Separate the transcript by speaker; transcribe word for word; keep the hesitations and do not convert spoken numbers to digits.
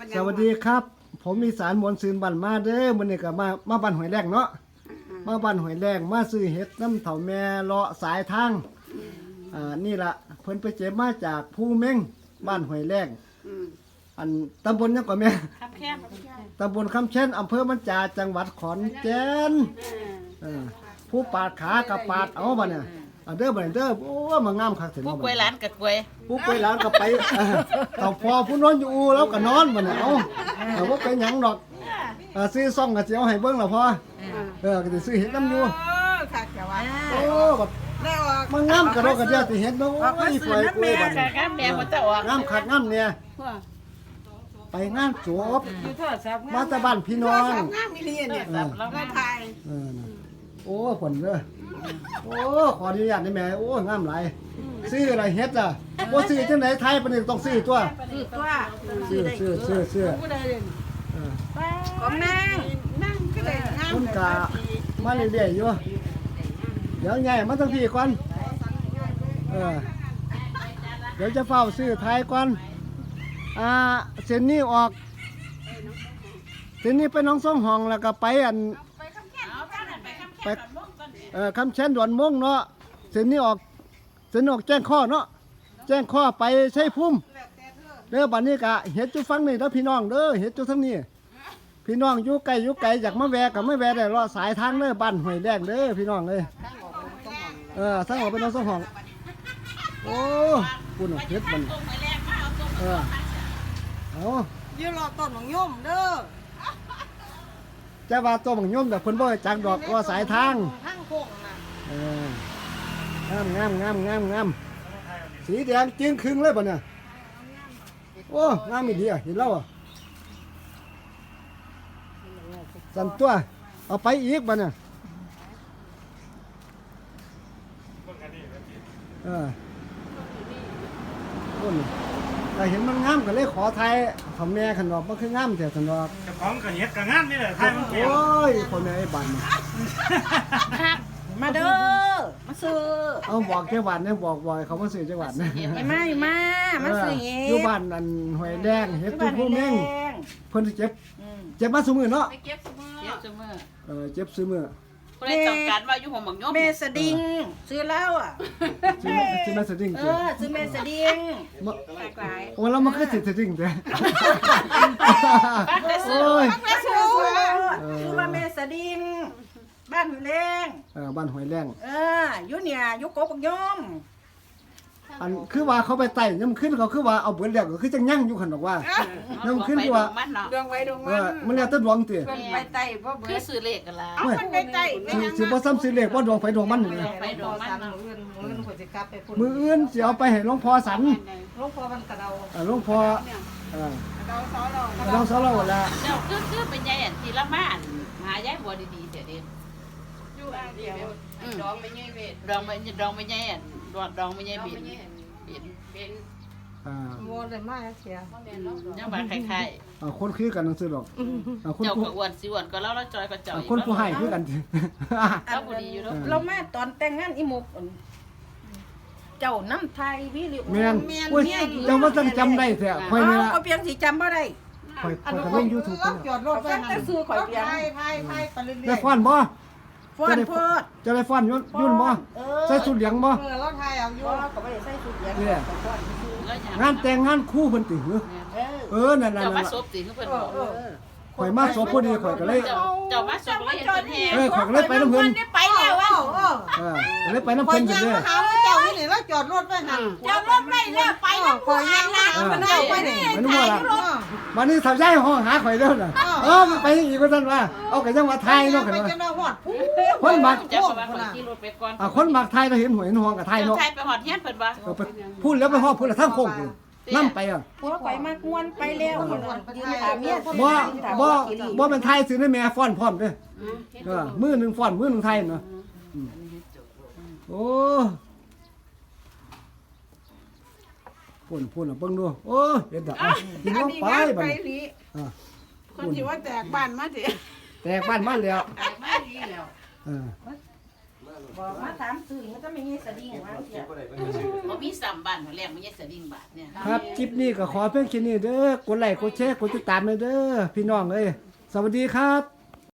Speaker 1: สวัสดีครับผมมีสารมวลซืนบ้านมาเด้อมื้อนี้ก็มามาบ้านหอยแรงเนาะมาบ้านหอยแรงมาซื้อเห็ดน้ำเถาแม่เลาะสายทางอ่านี่ล่ะเพิ่นไปเจ็บมาจากภูเม่งบ้านหอยแรงอันตำบลยังก่อนแม่ครับแค่ตำบลคำเช่นอำเภอมันจาจังหวัดขอนแก่นเออผู้ปาดขากับปาดเอาบ่เนี่ยอันเด้อบ่เด้อโอ้มางามคักถึง
Speaker 2: ผู้ป่วยหลานกับป่วย
Speaker 1: ผู้ป่วยหลานก็ไปเต่าพอผู้นอนอยู่อูแล้วก็นอนบ่เนี่ยเอาเอาบ่เป็นหยังดอกซื้อซ่องก็สิเอาให้เบิ่งล่ะพอเออก็สิซื้อเห็ดน้ำอยู่
Speaker 3: ค่ะแกว่า
Speaker 1: โอ้บัด
Speaker 3: ได้ออก
Speaker 1: มันงามกระโดดกระเดียติเห็ดเนาะโอ้ยสวยกล้วยบัด
Speaker 2: กามแม่บ่ตะออก
Speaker 1: งามคักงามเนี่ยไปงานจบ
Speaker 3: อยู่โทรศัพท์
Speaker 1: มาจากบ้านพี่น้อง
Speaker 3: งามมิเรียนเนี่ย
Speaker 2: แล้ว
Speaker 3: ได้ไทย
Speaker 1: เออโอ้ผลเด้อโอ้ขออนุญาตได้แม่โอ้งามหลายซื้ออะไรเฮ็ดอ่ะบ่ซื้อจังได๋ไทยปานนี้ต้องซื้อตัว
Speaker 3: คือตัว
Speaker 1: ซื้อซื้อซื้อซื้อ
Speaker 3: ผู้ใดเด่น
Speaker 1: เออ
Speaker 3: ของนางนั่งก็เลยงาม
Speaker 1: คุณกะมาเรื่อยๆอยู่เดี๋ยวใหญ่มาทั้งพี่ก่อนเออเดี๋ยวจะเฝ้าซื้อไทยก่อนอ่าเส้นนี้ออกเส้นนี้ไปน้องส่งห้องแล้วก็ไปอันไปเอ่อคำเช่นดอนม่วงเนาะเส้นนี้ออกเส้นนี้ออกแจ้งข้อเนาะแจ้งข้อไปใช้พุ่มเด้อบัดนี้กะเฮ็ดจุฟังนี่เด้อพี่น้องเด้อเฮ็ดจุทั้งนี้พี่น้องอยู่ไกลอยู่ไกลอยากมาแวะกับมาแวะได้รอสายทางเด้อบ้านห้วยแดงเด้อพี่น้องเอ้ยเออทางออกไปน้องส่งห้องโอ้ปุ่นเฮ็ดมันเออเอา
Speaker 3: ยืนรอต้นของย่มเด้อ
Speaker 1: จะว่าตัวบังยมแต่เพิ่นบ่ให้จักดอกว่าสายทาง
Speaker 3: ทั้งโค้งน่ะ
Speaker 1: เอองามงามงามงามงามสีแดงจึงครึ่งเลยป่ะเนี่ยโอ้งามอีดีอ่ะเห็นแล้วอ่ะสั่นตัวเอาไปอีกป่ะเนี่ยเออต้นแต่เห็นมันงามก็เลยขอไทยของแม่ขันดอกมันคืองามแต่ขันดอก
Speaker 4: เจ้าของก็เฮ็ดก็งามนี่แหละไทยมันเก่ง
Speaker 1: โอ้ยคนแม่ไอ้บันเนี่ย
Speaker 3: มาเด้อมาซื้อ
Speaker 1: เอาบอกจังหวัดเนี่ยบอกบ่อยเขามาซื้อจังหวัดเนี่ย
Speaker 3: ไอ้มาไอ้มามาซื้อเฮ็
Speaker 1: อยู่
Speaker 3: ด
Speaker 1: บ้านอันหอยแดงเฮ็ดตุ้ผู้เม่งเพิ่นสิเจ็บเจ็บมาซุมื้อเนาะ
Speaker 2: เก็บซุมื้อเก็บซุมื้อ
Speaker 1: เออเจ็บซุมื้อ
Speaker 2: ผู้ใดต้องการว่าอยู่ห้องบักยม
Speaker 3: เมสดิงซื้อแล้วอ่ะ
Speaker 1: สิแม่สิแม่สดิ้ง
Speaker 3: เอ
Speaker 1: เจ้
Speaker 3: อซื้อเมสดิง
Speaker 1: บ่
Speaker 3: หลากหลาย
Speaker 1: โอ้แล้วมันคือสิสดิ้งเด้
Speaker 2: ปักได้ซื้อ
Speaker 1: โอ้ย
Speaker 3: มาซื้อซื้อมาเมสดิงบ้านหูแรง
Speaker 1: เออบ้านหอยแรง
Speaker 3: เอออยู่เนี่ยอยู่กบกยม
Speaker 1: อันคือว่าเขาไปไต่ยามขึ้นเขาคือว่าเอาเบิดแล้วก็คือจังยั่งอยู่คั่นดอกว่า น้ำขึ้นกว่า
Speaker 2: มันเนาะ
Speaker 3: ดวงไว้ดวง
Speaker 1: เอ
Speaker 3: มัน
Speaker 1: อมันแล้วแต่ดวงติ
Speaker 3: เพิ่นไปไต่บ่เบิ
Speaker 2: คือ
Speaker 3: ด
Speaker 2: ซื้อเลขกันล่ะ
Speaker 3: เอามันไปไต่ไม่
Speaker 1: สิ
Speaker 3: ยัง
Speaker 1: สิบ่ซ้ำสิเลขบ่ดวงไฟดวงมันนี่
Speaker 2: ไปดอกมันเนาะ
Speaker 3: มื้อมื้อข่อยสิกลับไปพุ่น
Speaker 1: มื้ออื่นสิเอาไปให้หลวงพ่อสัน
Speaker 3: หลวงพ่อมันกระเดา
Speaker 1: เออหลวงพ่อเออก
Speaker 3: ระเดาซอเรา
Speaker 1: น้องสาวเราล่ะ
Speaker 2: เจ้าคือคือเป็นยายอันที่ละมาอันหายายบ่ดีๆเสียเด้
Speaker 3: อยู่อันเดียวดองไม่ใหญ่เวท
Speaker 2: ดองไม่ดองไม่ยายอันดองดองไม่ยายบินบิน
Speaker 3: เป็น
Speaker 1: อ่า
Speaker 3: โมเลยมาเสีย
Speaker 2: ยังบ่คล้าย
Speaker 1: อ่าคนคือกันจังซี่ดอกอ่าค
Speaker 2: ๆ
Speaker 1: น
Speaker 2: เจ้า
Speaker 1: ผู้
Speaker 2: ก็อ้วนสิอ้วนก็เล่าแล้วจอยก็จ่อย
Speaker 1: อ่าคนผู้ให้คือกัน
Speaker 2: เราบ่ดีอยู่เนาะ
Speaker 3: เรามาตอนแต่งงานอีหมกเจ้าน้ำไทยวิริ
Speaker 1: แม่นโอ้ยเจ้าว่าต้องจำได้แท้ข่อยนี่ล่ะ
Speaker 3: ก็เพียงสิจำบ่ได้
Speaker 1: ข่อยข่อยก็ลง YouTube ไปแล้ว
Speaker 3: จอดรถไว้แต่ซื้อข่อยเพียง
Speaker 1: ได้ฟ้อนบ่
Speaker 3: ฟ้อนเพิด
Speaker 1: จะได้ฟ้อนยุ่นยุ่นบ่ใส่ชุดเหลืองบ่
Speaker 3: เออเราไทยเอาอยู่ก็ไม่ได้ใส่ชุดเหลือง
Speaker 1: เนี่ย
Speaker 2: แล้วอย่าง
Speaker 1: งานแต่งงานคู่เพิ่นติหือ
Speaker 3: เออ
Speaker 1: เออนั่นน่ะ
Speaker 2: เจ้ามา
Speaker 1: นั่น
Speaker 2: ซบสิคือเพิ่นบอก
Speaker 1: ข่อยมาสอบพอดีข่อยก็เลย
Speaker 2: เจ้าเจ้ามาซบแล้วเห็นเพิ่นแห่
Speaker 1: เออข่อยก็เลยไปนำเพิ่น
Speaker 3: ไปแล้วอ่ะ
Speaker 1: เออก็เลยไปนำ
Speaker 3: ข่อ
Speaker 1: เพิ่
Speaker 3: ย
Speaker 1: น
Speaker 3: ยั
Speaker 1: เด้
Speaker 3: ง
Speaker 1: อ
Speaker 3: มาหาเจ้านี่แล้วจอดรถไว้หันจอดรถไม่แล้วไปแล้วข่อยยังนะมันเอาไปนี่
Speaker 1: ไปนู่นล่ะวันนี้ถ้าย้ายห้องหาข่อยเด้อน่ะเออมันไปอีกว่าซั่นว่าเอาก็ยังว่าไทยเนาะคั่น
Speaker 3: ไป
Speaker 1: ว่า
Speaker 3: จะมาฮอด
Speaker 1: คนมัก
Speaker 2: เจ้าก็ว่าข่อยขี่รถไปก่อน
Speaker 1: อ่าคนมักไทยเราเห็นหวยเห็นห้องกับไทย
Speaker 2: เจ้า
Speaker 1: เนาะ
Speaker 2: ไทยไปหอดเฮียนเพิ่นว่า
Speaker 1: เออไปพูดแล้วไปฮอดพูดแล้วทางโค้งพุ่นนำไปอ่ะ
Speaker 3: พวกข่อยมากวนไปแล้วยืนถามเมีย
Speaker 1: บ่บ่บ่เป็นไทยซื้อในแม่ฟ้อนพร้อมเด้อเออมือหนึงฟ้อนมือหนึงไทยเนาะอืมโอ้พุ่นพุ่นอ่ะเบิ่งดูโอ้เฮ็ดดอกอ่ะกินลงไปบัดนี้อ่า
Speaker 3: คนที่ว่าแตกบ้านมาสิ
Speaker 1: แตกบ้านมาแล้ว
Speaker 3: มาดีแล้ว
Speaker 1: เออ
Speaker 3: บอกมาถามซื้อมันจะไม่มีสดิ้งว่าเสีย
Speaker 2: บ่มีซ้ำบ้านหัวแรกมันยังสดิ่งบาทเนี่ย
Speaker 1: ครับคลิปนี้ก็ขอเพียงแค่นี้เด้อกดไลค์กดแชร์กดติดตามเลยเด้อพี่น้องเอ้ยสวัสดีครับ